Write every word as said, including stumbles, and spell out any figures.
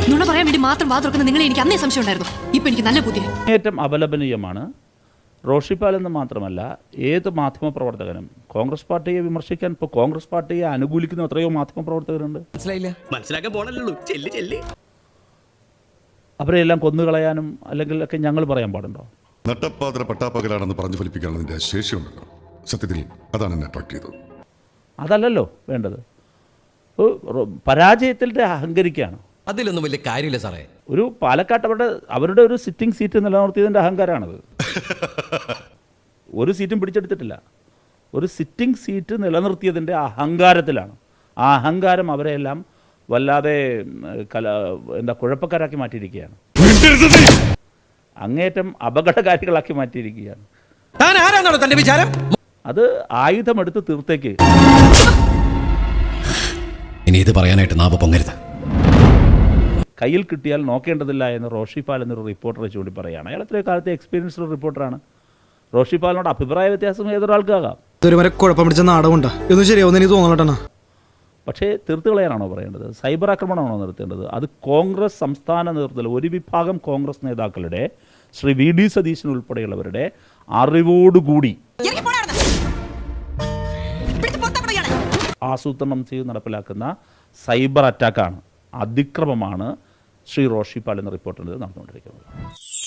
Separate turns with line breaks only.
നുണ പറയാൻ വേണ്ടി മാത്രം വാ തുറക്കുന്ന നിങ്ങളെ എനിക്ക് അന്നേ സംശയം ഉണ്ടായിരുന്നു. ഇപ്പൊ എനിക്ക് നല്ല ബുദ്ധി.
ഏറ്റവും അപലപനീയമാണ്. റോഷിപ്പാൽ എന്ന് മാത്രമല്ല, ഏത് മാധ്യമപ്രവർത്തകനും കോൺഗ്രസ് പാർട്ടിയെ വിമർശിക്കാൻ ഇപ്പോൾ കോൺഗ്രസ് പാർട്ടിയെ അനുകൂലിക്കുന്ന എത്രയോ മാധ്യമപ്രവർത്തകരുണ്ട്.
മനസ്സിലായില്ല, മനസ്സിലാക്കാൻ പോണല്ലോ. ചെല്ലി ചെല്ലി
അവരെല്ലാം കൊന്നുകളയാനും അല്ലെങ്കിൽ ഒക്കെ ഞങ്ങൾ പറയാൻ പാടുണ്ടോ?
നട്ടപ്പാതിര പട്ടാപ്പകലാണെന്ന് പറഞ്ഞു ഫലിപ്പിക്കാനുള്ളതിൻ്റെ ശേഷിയുണ്ടല്ലോ. സത്യത്തിൽ അതാണ് എന്നെ അട്രാക്ട് ചെയ്തത്.
അതല്ലല്ലോ വേണ്ടത്. പരാജയത്തിൻ്റെ അഹങ്കരിക്കുകയാണ്.
അതിലൊന്നും വലിയ കാര്യമില്ല സാറേ.
ഒരു പാലക്കാട്ട് അവരുടെ അവരുടെ ഒരു സിറ്റിംഗ് സീറ്റ് നിലനിർത്തിയതിൻ്റെ അഹങ്കാരമാണത്. ഒരു സീറ്റും പിടിച്ചെടുത്തിട്ടില്ല. ഒരു സിറ്റിംഗ് സീറ്റ് നിലനിർത്തിയതിൻ്റെ അഹങ്കാരത്തിലാണ്. ആ അഹങ്കാരം അവരെല്ലാം വല്ലാതെ കല എന്താ കുഴപ്പക്കാരാക്കി മാറ്റിയിരിക്കുകയാണ്. അങ്ങേറ്റം അപകടകാരികളാക്കി മാറ്റിയിരിക്കുകയാണ്. അത് ആയുധമെടുത്ത് തീർത്തേക്ക്.
ഇനി ഇത് പറയാനായിട്ട് നാവ് പൊങ്ങരുത്.
കയ്യിൽ കിട്ടിയാൽ നോക്കേണ്ടതില്ല എന്ന് റോഷിപ്പാൽ എന്നൊരു റിപ്പോർട്ടറെ ചൂണ്ടി പറയുകയാണ്. അയാൾ എത്രയോ കാലത്തെ എക്സ്പീരിയൻസ്ഡ് റിപ്പോർട്ടറാണ്. റോഷിപ്പാലിനോട് അഭിപ്രായ വ്യത്യാസം ഏതൊരാൾക്കാകാം.
കുഴപ്പം പിടിച്ച നാടകമുണ്ട് ഇതൊന്നും ശരിയാവുന്ന എനിക്ക് തോന്നലട്ടാ.
പക്ഷേ തീർത്ത് കളയാനാണോ പറയേണ്ടത്? സൈബർ ആക്രമണമാണോ നിർത്തേണ്ടത്? അത് കോൺഗ്രസ് സംസ്ഥാന നേതൃത്വത്തിൽ ഒരു വിഭാഗം കോൺഗ്രസ് നേതാക്കളുടെ, ശ്രീ വി ഡി സതീശൻ ഉൾപ്പെടെയുള്ളവരുടെ അറിവോടുകൂടി ആസൂത്രണം ചെയ്ത് നടപ്പിലാക്കുന്ന സൈബർ അറ്റാക്കാണ്, അതിക്രമമാണ് ശ്രീ റോഷിപ്പാൽ എന്ന റിപ്പോർട്ടിൽ നടന്നുകൊണ്ടിരിക്കുന്നത്.